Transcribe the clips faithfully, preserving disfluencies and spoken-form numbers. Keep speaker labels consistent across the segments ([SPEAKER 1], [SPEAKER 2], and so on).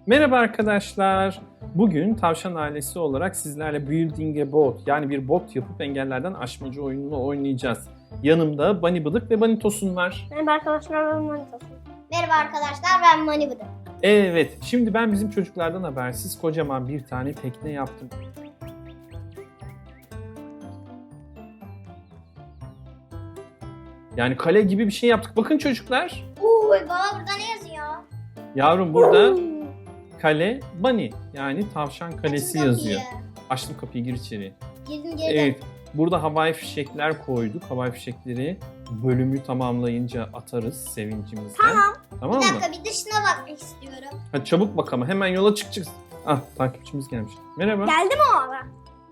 [SPEAKER 1] Merhaba arkadaşlar. Bugün tavşan ailesi olarak sizlerle Building a Boat yani bir bot yapıp engellerden aşmacı oyununu oynayacağız. Yanımda Bunny Bıdık ve Bunny Tosun var.
[SPEAKER 2] Merhaba arkadaşlar, ben Mani Tosun.
[SPEAKER 3] Merhaba arkadaşlar, ben Mani Bıdık.
[SPEAKER 1] Evet, şimdi ben bizim çocuklardan habersiz kocaman bir tane tekne yaptım. Yani kale gibi bir şey yaptık. Bakın çocuklar.
[SPEAKER 3] Uuu baba, burada ne yazıyor?
[SPEAKER 1] Yavrum burada kale Bunny yani tavşan kalesi
[SPEAKER 3] Açın
[SPEAKER 1] yazıyor.
[SPEAKER 3] kapıyı.
[SPEAKER 1] Açtım kapıyı, gir içeri.
[SPEAKER 3] Girdim girdim.
[SPEAKER 1] Evet. Burada havai fişekler koyduk. Havai fişekleri bölümü tamamlayınca atarız sevincimizden.
[SPEAKER 2] Tamam.
[SPEAKER 1] Tamam
[SPEAKER 3] Bir
[SPEAKER 1] mı?
[SPEAKER 3] dakika, bir dışına bakmak istiyorum.
[SPEAKER 1] Hadi çabuk bak ama hemen yola çıkacağız. Ah, takipçimiz gelmiş. Merhaba.
[SPEAKER 2] Geldi mi o ara?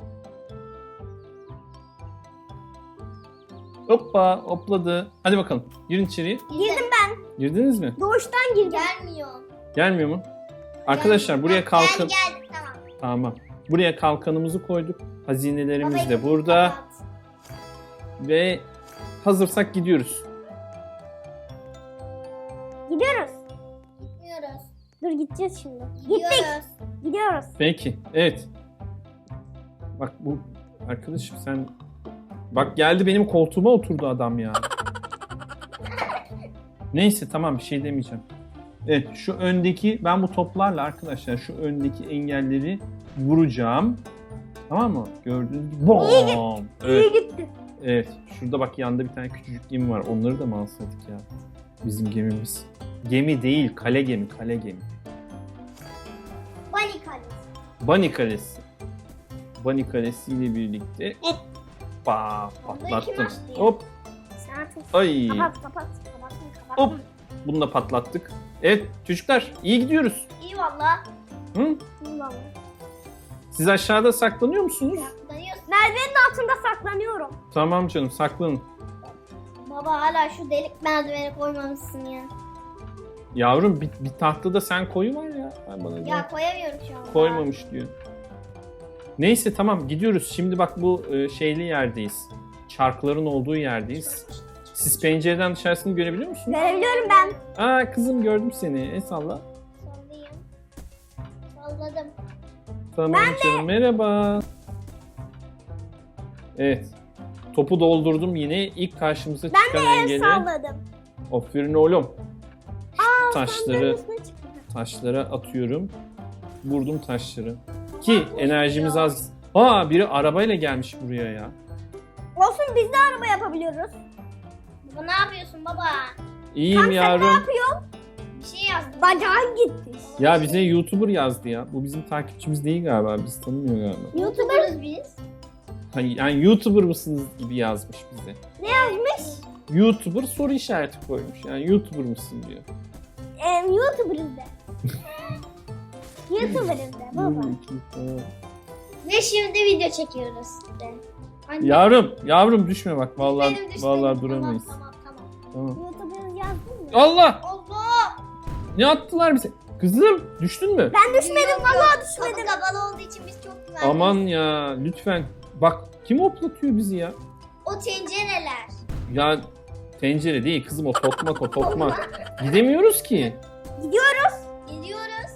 [SPEAKER 1] Hoppa, hopladı. Hadi bakalım. Girin içeriye.
[SPEAKER 2] Girdim ben.
[SPEAKER 1] Girdiniz mi?
[SPEAKER 2] Doğuştan girdim.
[SPEAKER 3] Gelmiyor.
[SPEAKER 1] Gelmiyor mu? Arkadaşlar buraya
[SPEAKER 3] Heh,
[SPEAKER 1] kalkın.
[SPEAKER 3] Geldi geldi, tamam.
[SPEAKER 1] Tamam. Buraya kalkanımızı koyduk. Hazinelerimiz
[SPEAKER 3] Baba,
[SPEAKER 1] de burada.
[SPEAKER 3] kapat.
[SPEAKER 1] Ve hazırsak gidiyoruz.
[SPEAKER 2] Gidiyoruz.
[SPEAKER 3] Gitmiyoruz.
[SPEAKER 2] Dur gideceğiz şimdi. Gittik.
[SPEAKER 3] Gidiyoruz.
[SPEAKER 2] Gidiyoruz.
[SPEAKER 1] Peki. Evet. Bak bu arkadaşım sen... Bak geldi benim koltuğuma oturdu adam ya. Neyse tamam, bir şey demeyeceğim. Evet, şu öndeki, ben bu toplarla arkadaşlar şu öndeki engelleri vuracağım. Tamam mı? Gördüğünüz gibi. Bom!
[SPEAKER 2] İyi
[SPEAKER 1] Evet,
[SPEAKER 2] gitti.
[SPEAKER 1] evet. Şurada bak yanda bir tane küçücük gemi var. Onları da mı alsaydık ya? Bizim gemimiz. Gemi değil, kale gemi, kale gemi.
[SPEAKER 3] Bunny kalesi.
[SPEAKER 1] Bunny Kalesi. Bunny Kalesi ile birlikte hoppa patlattım.
[SPEAKER 3] kim açtı ya?
[SPEAKER 1] Hop,
[SPEAKER 2] Sen artık
[SPEAKER 1] ay.
[SPEAKER 2] kapat kapat. Kapat kapat.
[SPEAKER 1] Hop. Bunu da patlattık. Evet çocuklar, iyi gidiyoruz.
[SPEAKER 3] İyi valla.
[SPEAKER 1] Hı?
[SPEAKER 2] Vallahi.
[SPEAKER 1] Siz aşağıda saklanıyor musunuz?
[SPEAKER 3] Saklanıyorsun.
[SPEAKER 2] Merdivenin altında saklanıyorum.
[SPEAKER 1] Tamam canım, saklanın.
[SPEAKER 3] Baba hala şu delik merdiveni koymamışsın ya.
[SPEAKER 1] Yavrum bir, bir tahtada sen koyu var ya. Ay bana
[SPEAKER 3] Ya koyamıyorum şu an.
[SPEAKER 1] koymamış diyor. Neyse tamam, gidiyoruz. Şimdi bak bu e, şeyli yerdeyiz. Çarkların olduğu yerdeyiz. Siz pencereden dışarısını görebiliyor musunuz?
[SPEAKER 2] Görebiliyorum ben.
[SPEAKER 1] Aa kızım, gördüm seni. El salla.
[SPEAKER 3] Sallayayım. Salladım.
[SPEAKER 1] Tamam canım, merhaba. Evet. Topu doldurdum yine. İlk karşımıza çıkan
[SPEAKER 2] El
[SPEAKER 1] engeli.
[SPEAKER 2] salladım.
[SPEAKER 1] Aferin oğlum.
[SPEAKER 2] Aa,
[SPEAKER 1] Taşları
[SPEAKER 2] sandalyenin üstüne çıktı.
[SPEAKER 1] taşlara atıyorum. Vurdum taşları. Ki enerjimiz az. Aa biri arabayla gelmiş buraya ya.
[SPEAKER 2] Olsun, biz de araba yapabiliyoruz.
[SPEAKER 3] Baba ne yapıyorsun baba?
[SPEAKER 1] İyiyim
[SPEAKER 2] Sen ne
[SPEAKER 1] yavrum.
[SPEAKER 2] yapıyorsun?
[SPEAKER 3] Bir şey yazdım.
[SPEAKER 2] Bacağın gitti.
[SPEAKER 1] Ya bize YouTuber yazdı ya. Bu bizim takipçimiz değil galiba. Biz tanımıyor galiba.
[SPEAKER 3] YouTuber'ız biz.
[SPEAKER 1] Hani yani YouTuber mısınız gibi yazmış bize.
[SPEAKER 2] Ne yazmış?
[SPEAKER 1] YouTuber soru işareti koymuş. Yani YouTuber mısın diyor.
[SPEAKER 2] Ee, YouTuber'ız de. YouTuber'ız de baba.
[SPEAKER 3] Ve şimdi video çekiyoruz de. Anne.
[SPEAKER 1] Yavrum, yavrum düşme bak.
[SPEAKER 3] Benim
[SPEAKER 1] Vallahi
[SPEAKER 3] düşmedim.
[SPEAKER 1] vallahi duramayız.
[SPEAKER 3] Tamam tamam
[SPEAKER 1] Tamam.
[SPEAKER 3] tamam.
[SPEAKER 2] YouTuber'ız yazdın mı?
[SPEAKER 1] Allah!
[SPEAKER 3] Allah!
[SPEAKER 1] Ne attılar bize? Kızım, düştün mü?
[SPEAKER 2] Ben düşmedim,
[SPEAKER 3] Yok,
[SPEAKER 2] vallahi
[SPEAKER 3] yok.
[SPEAKER 2] düşmedim.
[SPEAKER 3] Kapı kapalı olduğu için biz çok güvenliyiz.
[SPEAKER 1] Aman ya, lütfen. Bak, kim hoplatıyor bizi ya?
[SPEAKER 3] O tencereler.
[SPEAKER 1] Ya tencere değil kızım, o tokmak, o tokmak. Gidemiyoruz ki.
[SPEAKER 2] Gidiyoruz.
[SPEAKER 3] Gidiyoruz.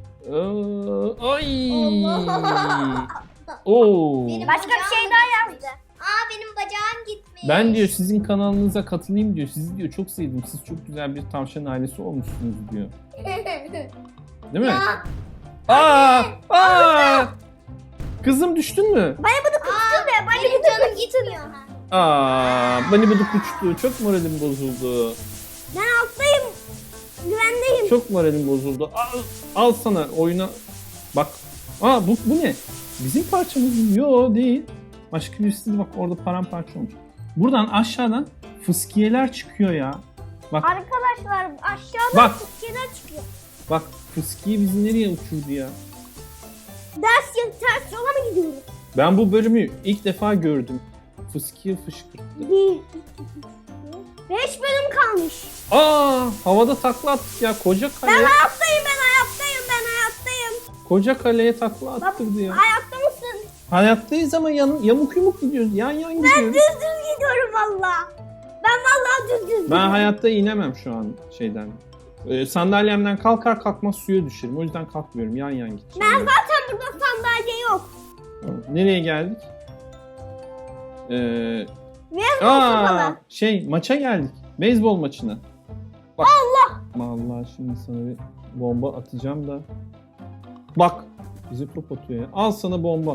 [SPEAKER 1] Ee, ay.
[SPEAKER 3] Allah.
[SPEAKER 1] Oo.
[SPEAKER 3] Benim
[SPEAKER 2] Başka bir
[SPEAKER 3] bacağım
[SPEAKER 2] şey
[SPEAKER 3] da
[SPEAKER 2] daha
[SPEAKER 3] gitmiş. Aa benim bacağım gitmiş.
[SPEAKER 1] Ben diyor sizin kanalınıza katılayım diyor. Sizi diyor çok sevdim. Siz çok güzel bir tavşan ailesi olmuşsunuz diyor. Değil mi?
[SPEAKER 3] Ya.
[SPEAKER 1] Aa! Aa! Kızım düştün mü?
[SPEAKER 2] Bana bunu kutsun de. Bana
[SPEAKER 3] Benim
[SPEAKER 2] bunu
[SPEAKER 3] canım gitmiyor. Ha.
[SPEAKER 1] Aa! Bani bıdık uçtu. Çok moralim bozuldu.
[SPEAKER 2] Ben alttayım. Güvendeyim.
[SPEAKER 1] Çok moralim bozuldu. Al, al sana oyuna. Bak. Aa bu, bu ne? Bizim parçamız mı? Yo değil. Başka birisi de bak orada paramparça olmuş. Buradan aşağıdan fıskiyeler çıkıyor ya. Bak
[SPEAKER 2] Arkadaşlar aşağıda
[SPEAKER 1] Bak.
[SPEAKER 2] fıskiyeler çıkıyor.
[SPEAKER 1] bak fıskiye bizi nereye uçurdu ya?
[SPEAKER 2] Ders ya ters yola mı gidiyoruz?
[SPEAKER 1] Ben bu bölümü ilk defa gördüm. Fıskiye fışkırttı.
[SPEAKER 2] Bir, iki, üç, dört. Beş bölüm kalmış.
[SPEAKER 1] Aa havada takla attık ya. Koca
[SPEAKER 2] Ben
[SPEAKER 1] kale.
[SPEAKER 2] hayattayım, ben hayattayım, ben hayattayım.
[SPEAKER 1] Koca kaleye takla attırdı ya.
[SPEAKER 2] Hayatta mısın?
[SPEAKER 1] Hayattayız ama yan, yamuk yumuk gidiyoruz. Yan yan gidiyoruz.
[SPEAKER 2] Ben düz düz gidiyorum valla. Ben valla düz düz
[SPEAKER 1] Ben
[SPEAKER 2] gidiyorum.
[SPEAKER 1] hayatta inemem şu an şeyden. Ee, sandalyemden kalkar kalkmaz suya düşerim. O yüzden kalkmıyorum. Yan yan gideceğim.
[SPEAKER 2] Ben zaten burada sandalye yok.
[SPEAKER 1] Tamam. Nereye geldik? Ee,
[SPEAKER 2] Beyzbol
[SPEAKER 1] aa,
[SPEAKER 2] sopalı.
[SPEAKER 1] şey maça geldik. Beyzbol maçına. Bak. Allah! Vallahi şimdi sana bir bomba atacağım da. Bak. Bizi top atıyor ya. Al sana bomba.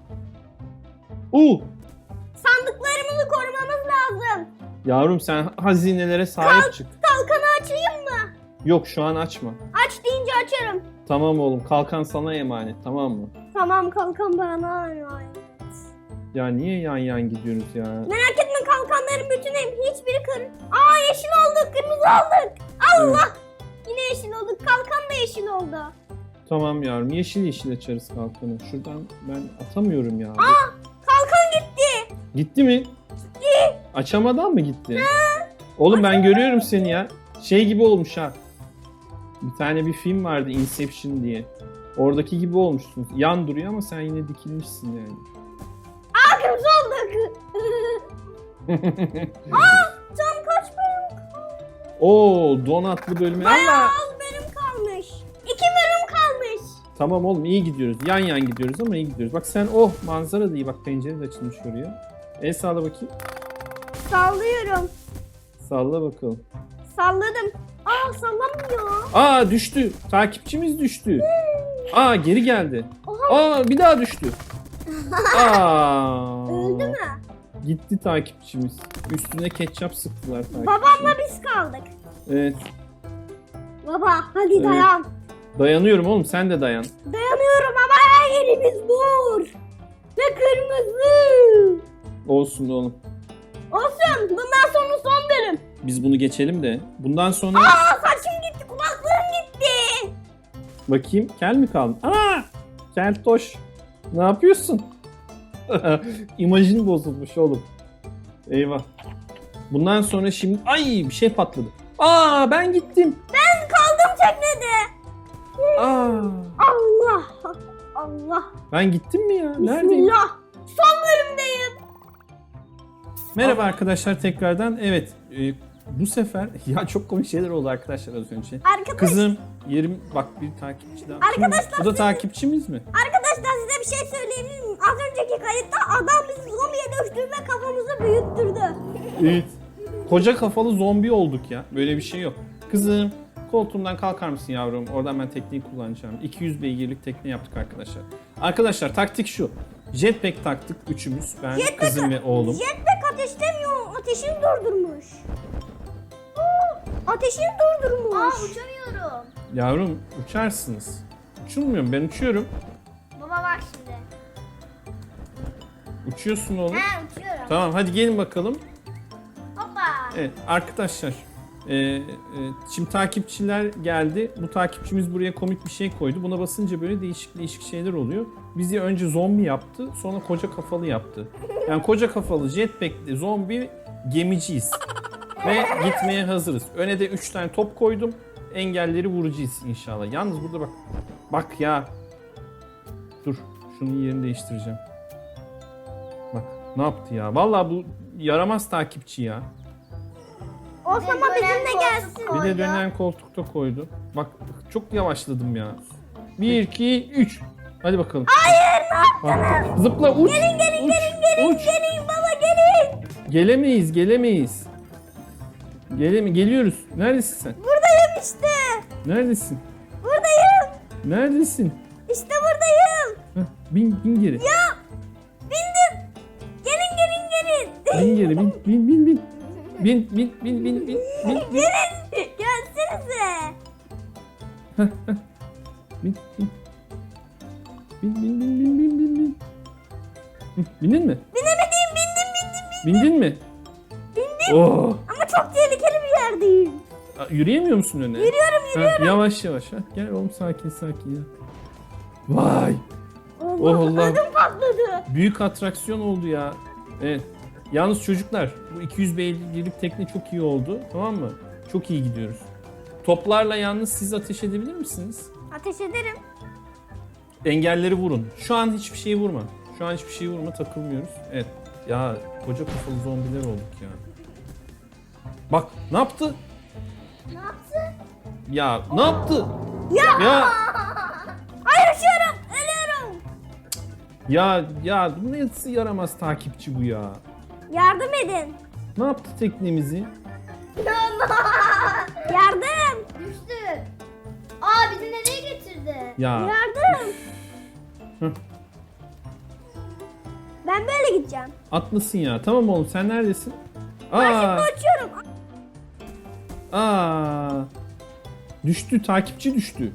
[SPEAKER 1] Uuu!
[SPEAKER 2] Sandıklarımızı korumamız lazım.
[SPEAKER 1] Yavrum sen hazinelere sahip çık.
[SPEAKER 2] Kalkanı açayım mı?
[SPEAKER 1] Yok şu an açma.
[SPEAKER 2] Aç deyince açarım.
[SPEAKER 1] Tamam oğlum kalkan sana emanet tamam mı?
[SPEAKER 2] Tamam kalkan bana emanet.
[SPEAKER 1] Ya niye yan yan gidiyoruz ya?
[SPEAKER 2] Merak etme kalkanların bütünü hiçbiri kır. Aa yeşil olduk, kırmızı olduk. Allah! Yine yeşil olduk. Kalkan da yeşil oldu.
[SPEAKER 1] Tamam yavrum yeşil yeşil açarız kalkanı. Şuradan ben atamıyorum ya.
[SPEAKER 2] Kalkan gitti.
[SPEAKER 1] Gitti mi? Gitti. Açamadan mı gitti? Oğlum ben görüyorum seni ya. Şey gibi olmuş ha. Bir tane bir film vardı Inception diye. Oradaki gibi olmuşsun. Yan duruyor ama sen yine dikilmişsin yani.
[SPEAKER 2] Aa kırmızı olduk. Aa can kaç bölüm?
[SPEAKER 1] Oo donatlı bölümü.
[SPEAKER 2] Bayağı
[SPEAKER 1] Allah!
[SPEAKER 2] az bölüm kalmış. İki bölüm kalmış.
[SPEAKER 1] Tamam oğlum iyi gidiyoruz. Yan yan gidiyoruz ama iyi gidiyoruz. Bak sen oh manzara da iyi. Bak pencere de açılmış oraya. El salla bakayım.
[SPEAKER 2] Sallıyorum.
[SPEAKER 1] Salla bakalım.
[SPEAKER 2] Salladım. Aa sallamıyor.
[SPEAKER 1] Aa düştü. Takipçimiz düştü. Aa geri geldi.
[SPEAKER 2] Oha.
[SPEAKER 1] Aa bir daha düştü. Aa.
[SPEAKER 2] Öldü mü?
[SPEAKER 1] Gitti takipçimiz. Üstüne ketçap sıktılar takipçi.
[SPEAKER 2] Babamla biz kaldık.
[SPEAKER 1] Evet.
[SPEAKER 2] Baba hadi
[SPEAKER 1] Evet.
[SPEAKER 2] dayan.
[SPEAKER 1] Dayanıyorum oğlum sen de dayan.
[SPEAKER 2] Dayanıyorum ama her yerimiz mor. Ve kırmızı.
[SPEAKER 1] Olsun oğlum.
[SPEAKER 2] Olsun. Bundan sonra son bölüm.
[SPEAKER 1] Biz bunu geçelim de. Bundan sonra
[SPEAKER 2] Aa saçım gitti. Kulaklığım gitti.
[SPEAKER 1] bakayım kel mi kaldı? Aa! Keltoş. Ne yapıyorsun? İmajın bozulmuş oğlum. Eyvah. Bundan sonra şimdi ay bir şey patladı. Aa ben gittim.
[SPEAKER 2] Ben kaldım teknede.
[SPEAKER 1] Aa
[SPEAKER 2] Allah. Allah.
[SPEAKER 1] ben gittim mi ya? Neredeyim?
[SPEAKER 2] Bismillah. Son bölümdeyim.
[SPEAKER 1] Merhaba arkadaşlar tekrardan. Evet e, bu sefer ya çok komik şeyler oldu arkadaşlar az önce.
[SPEAKER 2] Arkadaş,
[SPEAKER 1] Kızım yerim bak bir takipçi daha. Kim bu?
[SPEAKER 2] Arkadaşlar,
[SPEAKER 1] Bu da takipçimiz mi?
[SPEAKER 2] arkadaşlar size bir şey söyleyebilir miyim? Az önceki kayıtta adam bizi zombiye dönüştürdü ve kafamızı büyüttürdü.
[SPEAKER 1] Evet. Koca kafalı zombi olduk ya. Böyle bir şey yok. Kızım koltuğumdan kalkar mısın yavrum? Oradan ben tekneyi kullanacağım. iki yüz beygirlik tekne yaptık arkadaşlar. Arkadaşlar taktik şu. Jetpack taktık üçümüz. Ben,
[SPEAKER 2] Jetpack-
[SPEAKER 1] kızım ve oğlum.
[SPEAKER 2] Jetpack ateşlemiyor. Ateşini durdurmuş. Aa, ateşini durdurmuş.
[SPEAKER 3] Aa uçamıyorum.
[SPEAKER 1] Yavrum uçarsınız. Uçulmuyor ben uçuyorum.
[SPEAKER 3] Baba bak şimdi.
[SPEAKER 1] Uçuyorsun oğlum.
[SPEAKER 3] He uçuyorum.
[SPEAKER 1] Tamam hadi gelin bakalım.
[SPEAKER 3] Hoppa.
[SPEAKER 1] Evet arkadaşlar. e, e, şimdi takipçiler geldi. Bu takipçimiz buraya komik bir şey koydu. Buna basınca böyle değişik değişik şeyler oluyor. Bizi önce zombi yaptı. Sonra koca kafalı yaptı. Yani koca kafalı jetpack'li zombi gemiciyiz. Ve gitmeye hazırız. Öne de üç tane top koydum. Engelleri vuracağız inşallah. Yalnız burada bak. Bak ya. Dur. Şunun yerini değiştireceğim. Bak ne yaptı ya. Vallahi bu yaramaz takipçi ya.
[SPEAKER 2] Osama
[SPEAKER 3] Bir de
[SPEAKER 2] bizimle
[SPEAKER 3] dönen
[SPEAKER 2] gelsin.
[SPEAKER 3] koltuk
[SPEAKER 1] Bir de
[SPEAKER 3] koydu.
[SPEAKER 1] dönen koltukta koydu. Bak çok yavaşladım ya. bir, iki, üç. Hadi bakalım. Hayır ne yaptınız? Zıpla uç. Gelin gelin uç, gelin gelin uç.
[SPEAKER 2] Gelin baba gelin.
[SPEAKER 1] Gelemeyiz gelemeyiz. Gelemi geliyoruz. Neredesin sen?
[SPEAKER 2] Buradayım işte.
[SPEAKER 1] Neredesin?
[SPEAKER 2] Buradayım.
[SPEAKER 1] Neredesin?
[SPEAKER 2] İşte buradayım.
[SPEAKER 1] Heh, bin, bin geri.
[SPEAKER 2] Ya bindim. Gelin gelin gelin.
[SPEAKER 1] Bin geri bin bin bin bin. Bin bin bin bin bin bin bin
[SPEAKER 2] Gelin. Gelsenize.
[SPEAKER 1] bin bin. Bin bin bin bin bin bin bin. Hı, bindin mi?
[SPEAKER 2] Binemedim bindim bindim.
[SPEAKER 1] Bindin mi? Bindim. Oh.
[SPEAKER 2] Ama çok tehlikeli bir yerdeyim.
[SPEAKER 1] Aa, Yürüyemiyor musun öne?
[SPEAKER 2] Yürüyorum
[SPEAKER 1] yürüyorum. Yavaş yavaş. Ha. Gel oğlum sakin sakin ya. Vay.
[SPEAKER 2] Allah,
[SPEAKER 1] Oh Allah.
[SPEAKER 2] ödüm patladı.
[SPEAKER 1] Büyük atraksiyon oldu ya. Evet. Yalnız çocuklar bu iki yüz beygirlik tekne çok iyi oldu. Tamam mı? Çok iyi gidiyoruz. Toplarla yalnız siz ateş edebilir misiniz?
[SPEAKER 2] Ateş ederim.
[SPEAKER 1] Engelleri vurun. Şu an hiçbir şeyi vurma. Şu an hiçbir şeyi vurma takılmıyoruz. Evet. Ya koca kafalı zombiler olduk ya. Bak ne yaptı?
[SPEAKER 3] Ne yaptın?
[SPEAKER 1] Ya ne yaptı?
[SPEAKER 2] Ya.
[SPEAKER 1] Ya
[SPEAKER 2] Ay yaşıyorum. Ölüyorum.
[SPEAKER 1] ya ya bu nasıl yaramaz takipçi bu ya?
[SPEAKER 2] Yardım edin.
[SPEAKER 1] Ne yaptı teknemizi?
[SPEAKER 2] Yardım.
[SPEAKER 3] Düştü. Aa bizi nereye getirdi?
[SPEAKER 1] Ya
[SPEAKER 2] Yardım.
[SPEAKER 1] Hı.
[SPEAKER 2] Ben böyle gideceğim.
[SPEAKER 1] atlasın ya. Tamam oğlum sen neredesin?
[SPEAKER 2] Ben şimdi
[SPEAKER 1] Aa,
[SPEAKER 2] uçuyorum.
[SPEAKER 1] aa. Düştü, takipçi düştü.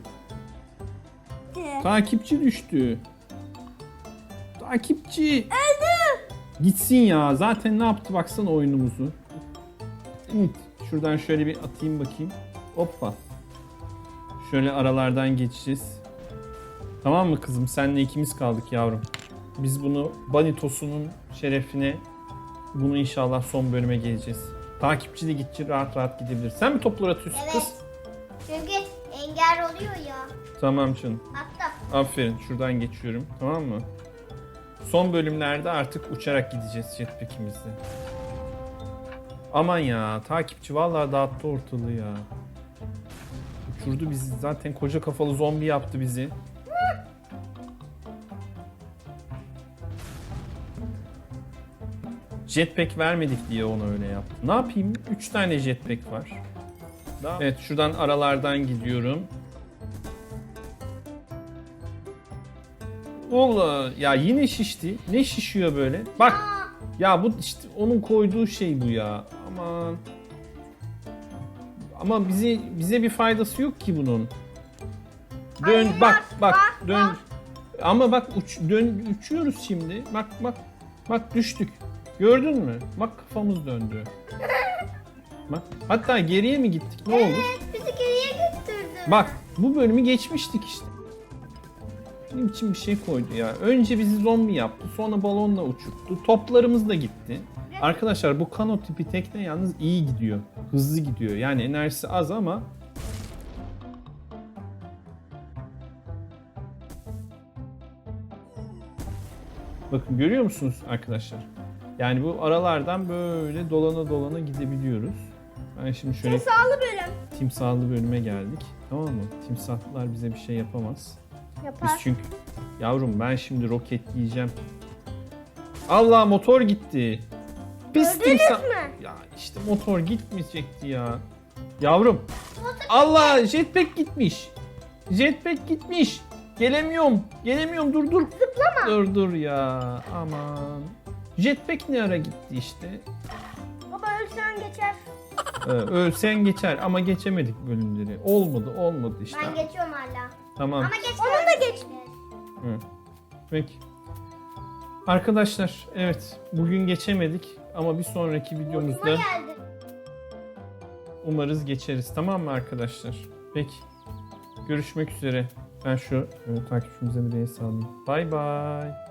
[SPEAKER 1] Takipçi düştü. Takipçi.
[SPEAKER 2] Öldü.
[SPEAKER 1] Gitsin ya. Zaten ne yaptı baksana oyunumuzu. Evet. Şuradan şöyle bir atayım bakayım. Hoppa. Şöyle aralardan geçeceğiz. Tamam mı kızım? Senle ikimiz kaldık yavrum. Biz bunu Banitos'unun şerefine bunu inşallah son bölüme geleceğiz. Takipçi de gidecek rahat rahat gidebilir. Sen mi toplar atıyorsun
[SPEAKER 3] Evet.
[SPEAKER 1] kız?
[SPEAKER 3] Çünkü engel oluyor ya.
[SPEAKER 1] Tamam canım.
[SPEAKER 3] Hatta
[SPEAKER 1] Aferin. Şuradan geçiyorum. Tamam mı? Son bölümlerde artık uçarak gideceğiz jetpack'imizle. Aman ya. Takipçi vallahi dağıttı ortalığı ya. Uçurdu bizi. Zaten koca kafalı zombi yaptı bizi. Jetpack vermedik diye onu öyle yaptı. Ne yapayım? üç tane jetpack var. Daha... Evet şuradan aralardan gidiyorum. Valla ya yine şişti. Ne şişiyor böyle? Bak. Ya bu işte onun koyduğu şey bu ya. Aman. Ama bize bize bir faydası yok ki bunun. Dön
[SPEAKER 2] Ay,
[SPEAKER 1] bak
[SPEAKER 2] bak,
[SPEAKER 1] bak
[SPEAKER 2] bak,
[SPEAKER 1] dön.
[SPEAKER 2] bak.
[SPEAKER 1] Ama bak uç, dön uçuyoruz şimdi. Bak bak. Bak düştük. Gördün mü? Bak kafamız döndü. Bak. Hatta geriye mi gittik? Ne oldu?
[SPEAKER 3] evet bizi geriye götürdü.
[SPEAKER 1] Bak bu bölümü geçmiştik işte. Benim için bir şey koydu ya. Önce bizi zombi yaptı. Sonra balonla uçurttu. Toplarımız da gitti. Arkadaşlar bu kano tipi tekne yalnız iyi gidiyor. Hızlı gidiyor. Yani enerjisi az ama bakın görüyor musunuz arkadaşlar? Yani bu aralardan böyle dolana dolana gidebiliyoruz. Ben şimdi şöyle
[SPEAKER 2] Sağlı bölüm.
[SPEAKER 1] timsahlı bölüme geldik. Tamam mı? Timsahlar bize bir şey yapamaz.
[SPEAKER 2] Yapar.
[SPEAKER 1] Biz çünkü yavrum ben şimdi roketleyeceğim. Allah motor gitti. Pis
[SPEAKER 2] Gördünüz
[SPEAKER 1] timsah.
[SPEAKER 2] mü?
[SPEAKER 1] Ya işte motor gitmeyecekti ya. Yavrum. Allah jetpack gitmiş. Jetpack gitmiş. Gelemiyorum. Gelemiyorum dur dur.
[SPEAKER 2] Zıplama.
[SPEAKER 1] Dur dur ya. Aman. Jetpack ne ara gitti işte.
[SPEAKER 2] Baba ölsen geçer.
[SPEAKER 1] Ee, ölsen geçer ama geçemedik bölümleri. Olmadı olmadı işte.
[SPEAKER 3] Ben geçiyorum hala.
[SPEAKER 1] Tamam.
[SPEAKER 3] Ama geç.
[SPEAKER 2] Onun da geç.
[SPEAKER 1] Hı. Peki. Arkadaşlar evet bugün geçemedik ama bir sonraki
[SPEAKER 3] Uçma
[SPEAKER 1] videomuzda
[SPEAKER 3] geldi.
[SPEAKER 1] umarız geçeriz. Tamam mı arkadaşlar? Peki. Görüşmek üzere. Ben şu e, takipçimize bir de sağlayayım. Bay bay.